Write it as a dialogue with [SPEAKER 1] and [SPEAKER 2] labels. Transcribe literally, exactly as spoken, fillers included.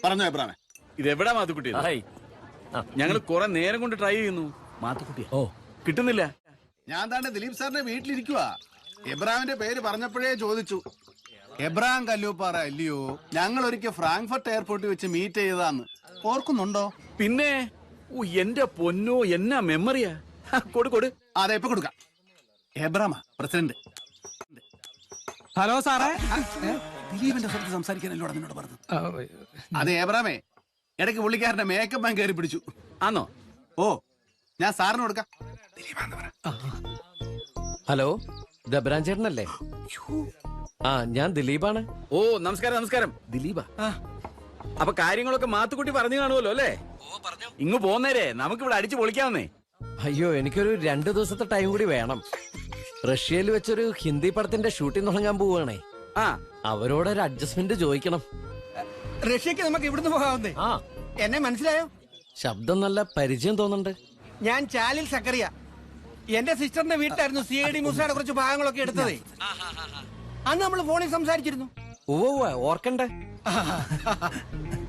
[SPEAKER 1] പറഞ്ഞോ എബ്രാമേ.
[SPEAKER 2] ഇതെവിടാ മാത്തുക്കുട്ടി? ഞങ്ങൾ കുറെ നേരം കൊണ്ട് ട്രൈ ചെയ്യുന്നു. മാത്തുക്കുട്ടി ഓ കിട്ടുന്നില്ല.
[SPEAKER 1] ഞാൻ താണ്ടെ ദിലീപ് സാറിന്റെ വീട്ടിലിരിക്കുവാ. എബ്രാമിന്റെ പേര് പറഞ്ഞപ്പോഴേ ചോദിച്ചു. എബ്രാം കല്ലൂപ്പാറ അല്ലയോ? ഞങ്ങൾ ഒരിക്കൽ ഫ്രാങ്ക്ഫർട്ട് എയർപോർട്ടിൽ വെച്ച് മീറ്റ് ചെയ്തതാന്ന് ഓർക്കുന്നുണ്ടോ?
[SPEAKER 2] പിന്നെ ഓ എന്റെ പൊന്നോ, എന്നാ മെമ്മറിയാ. കൊടു കൊടു.
[SPEAKER 1] അതെ, ഇപ്പൊ കൊടുക്കാം. എബ്രാമ പ്രസിഡന്റ്.
[SPEAKER 3] ഹലോ സാറേ.
[SPEAKER 1] ദിലീപിന്റെ സ്ഥലത്ത് സംസാരിക്കാനല്ലോ നിന്നോട് പറഞ്ഞത്. അതെ എബ്രാമേ, ഇടയ്ക്ക് പുള്ളിക്കാരന്റെ മേക്കപ്പ് മാൻ കയറി പിടിച്ചു.
[SPEAKER 2] ആന്നോ?
[SPEAKER 1] ഓ, ഞാൻ സാറിന് കൊടുക്കാം.
[SPEAKER 4] ഹലോ, ദബ്രാൻ ചേട്ടനല്ലേ? ആ, ഞാൻ ദിലീപാണ്.
[SPEAKER 2] ഓ നമസ്കാരം നമസ്കാരം. ദിലീപാ. അപ്പൊ കാര്യങ്ങളൊക്കെ മാത്തുക്കുട്ടി പറഞ്ഞു കാണുമല്ലോ അല്ലേ? ഇങ്ങ് പോന്നേരെ, നമുക്ക് ഇവിടെ അടിച്ചു പൊളിക്കാവുന്നേ.
[SPEAKER 4] അയ്യോ, എനിക്കൊരു രണ്ടു ദിവസത്തെ ടൈം കൂടി വേണം. റഷ്യയിൽ വെച്ചൊരു ഹിന്ദി പടത്തിന്റെ ഷൂട്ടിംഗ് തുടങ്ങാൻ പോവുകയാണേ.
[SPEAKER 2] ആ,
[SPEAKER 4] അവരോടൊരു അഡ്ജസ്റ്റ്മെന്റ് ചോദിക്കണം.
[SPEAKER 3] റഷ്യക്ക് നമുക്ക് ഇവിടുന്ന് പോകാവുന്നേ.
[SPEAKER 4] ആ,
[SPEAKER 3] എന്നെ മനസ്സിലായോ?
[SPEAKER 4] ശബ്ദം നല്ല പരിചയം തോന്നുന്നുണ്ട്.
[SPEAKER 3] ഞാൻ ചാലിൽ സക്കറിയ. എന്റെ സിസ്റ്ററിന്റെ വീട്ടിലായിരുന്നു സി ഐ ഡി മൂസയുടെ കുറച്ച് ഭാഗങ്ങളൊക്കെ എടുത്തതേ. അന്ന് നമ്മൾ ഫോണിൽ സംസാരിച്ചിരുന്നു.
[SPEAKER 4] ഓ ഓർക്കണ്ടേ?